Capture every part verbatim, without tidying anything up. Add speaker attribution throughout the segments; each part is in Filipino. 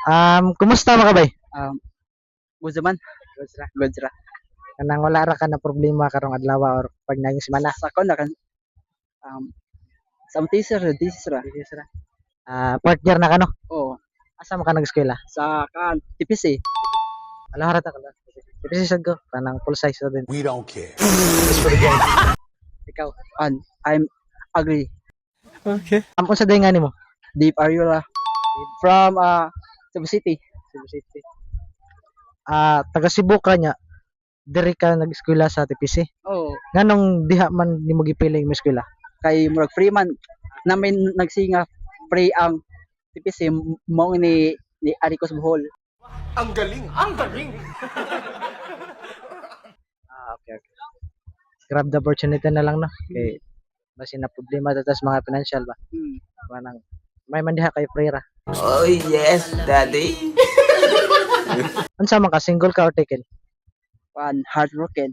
Speaker 1: Um, kumusta mga kabay?
Speaker 2: Um, good man.
Speaker 1: Good ra.
Speaker 2: Good ra.
Speaker 1: Kanang wala ra ka na problema karong adlaw or pag naging semana.
Speaker 2: Sa kon na kan um sa teaser this ra.
Speaker 1: This ra. Ah, fourth year na ka no?
Speaker 2: Oh,
Speaker 1: Asa mo ka nag-eskwela?
Speaker 2: sa kan T P C.
Speaker 1: Alam harata ka lang. Kasi sad ko kanang full size na din.
Speaker 3: We don't care.
Speaker 1: Ikaw,
Speaker 2: And I'm agree.
Speaker 1: okay. Am unsa day nga nimo?
Speaker 2: Deep Ariola from uh Cebu City.
Speaker 1: Cebu City. Ah, taga Cebu ka nya. Diri ka nag-eskwela sa T P C.
Speaker 2: Oh,
Speaker 1: Nganong diha man nimo gipiling mo eskwela?
Speaker 2: kay murag Freeman namin nagsinga pre ang T P C mo ni ni Aricos Bohol.
Speaker 3: Ang galing! Ang galing!
Speaker 1: Ah, okay, okay. Grab the opportunity na lang no. Kay basin na problema tatas mga financial ba.
Speaker 2: Hmm.
Speaker 1: Manang may mandiha kay Freira.
Speaker 3: Oh yes, daddy!
Speaker 1: Unsa man ka single ka or taken?
Speaker 2: One heartbroken.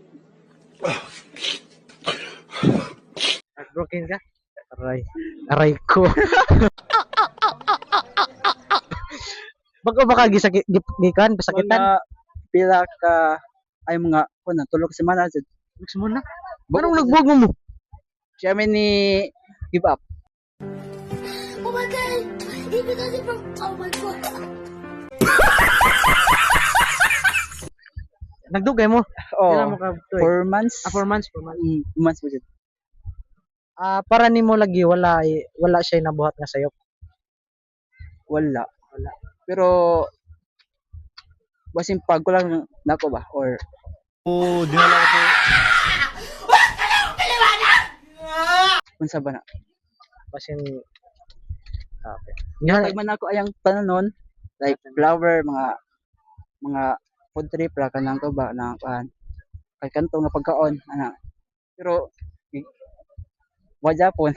Speaker 1: Heartbroken ka? Aray. Aray ko. Bago ba ka gisakit gikan pasakitan?
Speaker 2: Mga pila ka ay mga kun tulog semana jud.
Speaker 1: Gusto mo na? Anong nagbugo mo?
Speaker 2: Siya man ni give up.
Speaker 4: Oh my god! Even though from oh my god!
Speaker 1: Nagdugay mo? Kailan mo
Speaker 2: Oh,
Speaker 1: ka to eh?
Speaker 2: four months.
Speaker 1: Ah, four months, four months.
Speaker 2: Mm, months po jud.
Speaker 1: Ah, para nimo lagi wala eh, wala siya nabuhat nga sayo.
Speaker 2: Wala. Wala. Pero basin pag ko lang nako ba or
Speaker 3: Oh, dinala ko.
Speaker 2: unsa ba na?
Speaker 1: Basin ah, okay. Nga,
Speaker 2: Pag man ako ayang tananon like flower mga mga food trip ra kanang ko ba na kan kay kanto nga pagkaon ana. Pero i- wa Japon.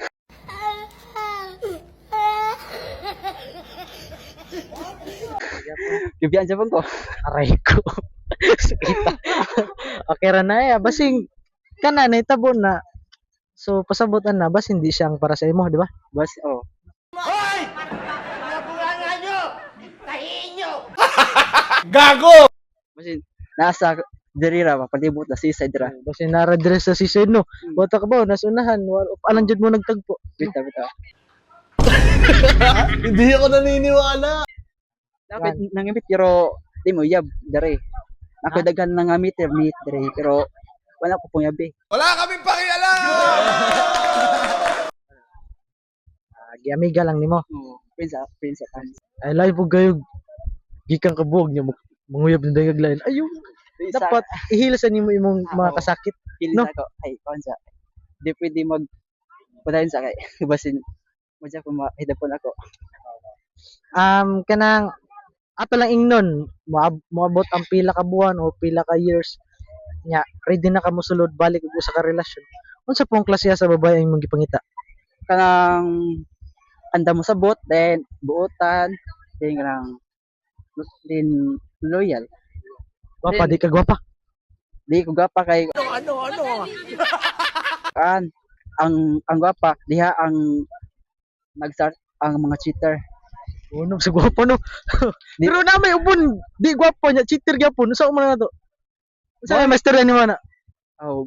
Speaker 2: Gibiyan Japon ko.
Speaker 1: aray ko. Sakita. Okay ra na eh. Basing kana na itabo na. So pasabutan na bas hindi siya ang para sa imo, di ba?
Speaker 2: Bas oh.
Speaker 3: Gago!
Speaker 2: Basin nasa diri ra ba palibot na seaside ra.
Speaker 1: Basi nara dire sa season no. Bota ka ba nasunahan wala alam jud mo nagtagpo.
Speaker 2: Bitaw bitaw.
Speaker 3: Hindi ako naniniwala.
Speaker 2: Dapat nangimit pero di mo yab dere. Ako
Speaker 1: Ha?
Speaker 2: daghan nangamit meet dere pero wala ko pong yabi.
Speaker 3: Wala kaming pakialam!
Speaker 1: Ah, giamiga lang nimo.
Speaker 2: Oh, pinsa pinsa tan.
Speaker 1: Ay lain po kayo gikan kabuog niyo manguyab ng dayag lain. Ayun. Dapat ihil sa nimo imong mga
Speaker 2: Oo.
Speaker 1: kasakit.
Speaker 2: Kilis
Speaker 1: No.
Speaker 2: ako. Ay, konsa. Di pwede mag padayon sa kay. Basin mo dyan kung mahidapon ako.
Speaker 1: Um kanang ato lang ingnon moab- moabot ang pila ka buwan o pila ka years nya ready na ka mosulod balik ug usa ka relasyon. Unsa pong klase sa babae ang imong gipangita?
Speaker 2: Kanang anda mo sabot, then buotan, then kanang then loyal.
Speaker 1: Gwapa
Speaker 2: Then-
Speaker 1: di ka gwapa.
Speaker 2: Di ko gapa kay
Speaker 3: Ano, ano?
Speaker 2: kan ang ang gwapa diha ang nag-start ang mga cheater.
Speaker 1: Unog sa gwapa no.
Speaker 2: Di-
Speaker 1: Pero na may ubon di gwapa nya cheater gyapon. Unsa man na to? Unsa may master ni mo na?
Speaker 2: Oh.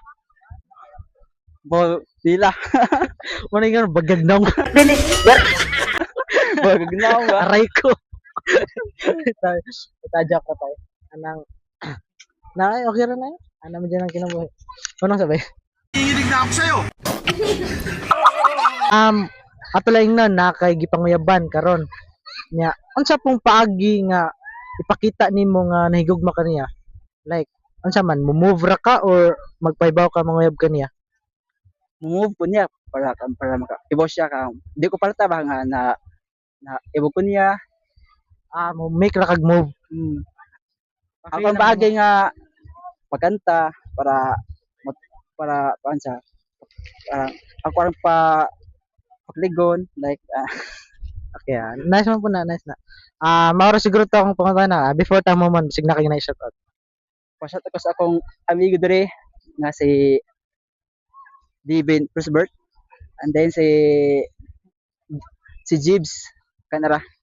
Speaker 2: Bol dila.
Speaker 1: Wala nga bagag na mo.
Speaker 2: Bol gnaw ba?
Speaker 1: Aray ko. Itajak ko tayo. Anang na ay okay ra na yun. Ano mo dyan ang kinabuhi? Anong sabay?
Speaker 3: Hihilig na ako sa'yo!
Speaker 1: Um, ato lang na nakay gipanguyaban karon. Nya, unsa pong paagi nga ipakita nimo nga nahigugma kaniya? Like, unsa man, mo-move ra ka or magpaibaw ka manguyab kaniya?
Speaker 2: Move po niya para para maka ibo siya ka. Di ko palta ba nga na na ibo ko niya.
Speaker 1: Ah, mo make ra kag move.
Speaker 2: Hmm.
Speaker 1: Okay
Speaker 2: Ako ang
Speaker 1: lang
Speaker 2: bagay nga pagkanta para mat- para paan sa para ako ang pa pagligon like ah,
Speaker 1: Okay, ah. Nice man po na, nice na. Ah, mauro siguro to akong pangunta na. Ah, before ta mo man, sig na kay na shout out.
Speaker 2: pasat ako sa akong amigo dire nga si Devin Prosbert and then si si Jibs kanara